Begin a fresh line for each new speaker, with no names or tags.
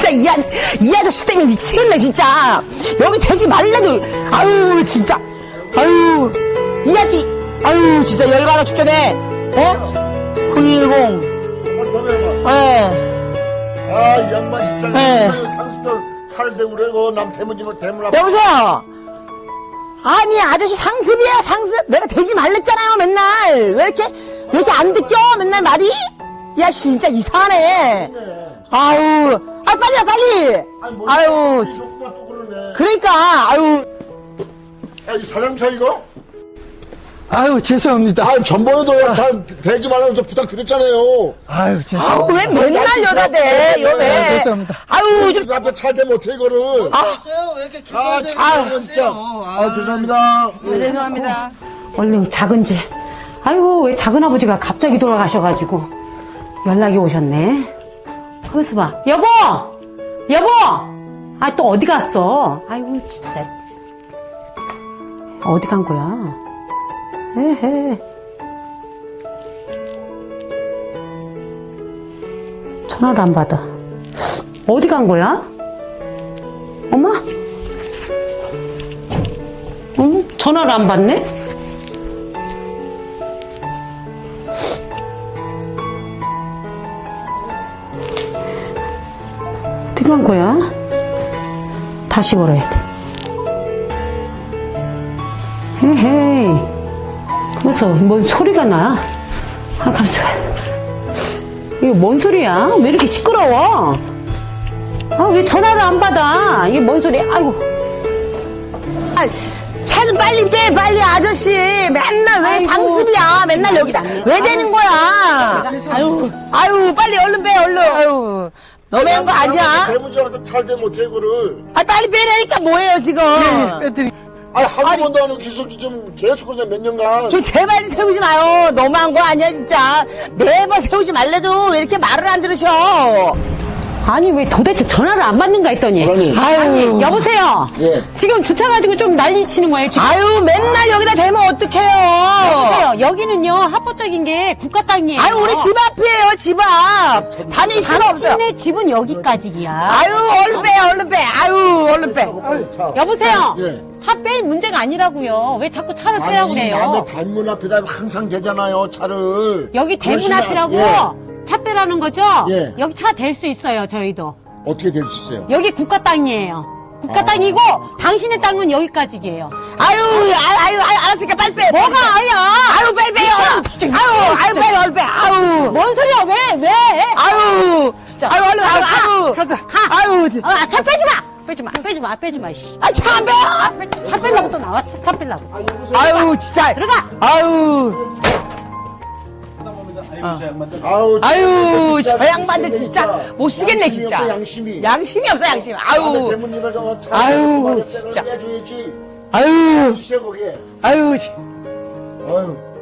진짜 이 아저씨 때문에 미치겠네 진짜. 여기 대지 말래도. 아유 진짜. 아유 이 아저씨. 아유 진짜 열받아 죽겠네. 어? 010.
전화해봐.
예.
아, 이 양반 진짜.
네.
상수도 차를 대고 그래. 남 대문 앞에.
여보세요. 아니 아저씨 상습이야 상습. 내가 되지 말랬잖아요 맨날. 왜 이렇게 안 듣겨 맨날 말이? 야 진짜 이상하네. 아유 아 빨리야 빨리. 아유
또 그러네.
그러니까 아유.
아, 이 사장차 이거?
아유, 죄송합니다.
아, 전번에도 잘 대지 말라고 좀 부탁드렸잖아요.
아유,
아우
죄송합니다.
왜 맨날 여자 대 여배.
네, 죄송합니다.
아유 좀.
앞에 차 대면 어떻게 이거를.
왜 이렇게
아, 참, 진짜. 아, 죄송합니다.
죄송합니다.
얼른 작은 집. 아이고, 왜 작은 아버지가 갑자기 돌아가셔가지고 연락이 오셨네. 가만있어 봐. 여보! 여보! 아, 또 어디 갔어? 아이고, 진짜. 어디 간 거야? 에헤. 전화를 안 받아. 어디 간 거야? 엄마? 응? 전화를 안 받네? 어디 간 거야? 다시 걸어야 돼. 헤헤이. 그래서 뭔 소리가 나? 아, 가만있어. 이게 뭔 소리야? 왜 이렇게 시끄러워? 아, 왜 전화를 안 받아? 이게 뭔 소리야? 아이고.
차 좀 빨리 빼 빨리 아저씨. 맨날 왜
아이고,
상습이야 맨날 여기다 왜 되는 거야. 아유 빨리 얼른 빼 얼른. 아유 너무한 거 아니야?
대문지 앞에서 차를 대면 어떻게 이거를.
아 빨리 빼라니까 뭐예요 지금.
아니, 한두 번도 안 하고 기술이 좀 계속 그러냐, 몇 년간.
좀 제발 좀 세우지 마요. 너무한 거 아니야 진짜. 매번 세우지 말래도 왜 이렇게 말을 안 들으셔.
아니, 왜 도대체 전화를 안 받는가 했더니.
사장님.
아유, 여보세요?
예.
지금 주차 가지고 좀 난리 치는 거예요, 지금.
아유 맨날 여기다 대면 어떡해요.
여보세요. 여기는요, 합법적인 게 국가 땅이에요.
아유 우리 집 앞이에요 집 앞. 다닐 수가 없어요.
당신네 집은 여기까지야.
아유 얼른 빼 얼른 빼. 아유 얼른 빼.
차.
여보세요?
예.
차 뺄 문제가 아니라고요. 왜 자꾸 차를 빼라고
아니,
그래요?
남의 대문 앞에다 항상 대잖아요, 차를.
여기 대문
그러시면
앞이라고
예.
차 빼라는 거죠?
예.
여기 차 댈 수 있어요, 저희도.
어떻게 될 수 있어요?
여기 국가 땅이에요. 국가 땅이고 당신의 땅은 여기까지예요.
아유 알았으니까 빨리 빼.
뭐가 아야?
아유 빨리 빼요.
진짜.
아유 빨리 얼른 빼. 아유.
뭔 소리야? 왜?
아유.
진짜.
아유 얼른 아유.
가자.
아유.
차 빼지 마. 빼지 마. 씨.
아 차 안 빼요.
차 빼려고 또 나와. 차 빼려고.
아유 진짜.
들어가.
아유. 아유 저 양반들 진짜 못 쓰겠네 진짜.
양심이 없어, 양심이.
아유.
대문 열어서 차.
아유, 진짜.
빼줘야지.
아유.
시작 거기에.
아유.
아유.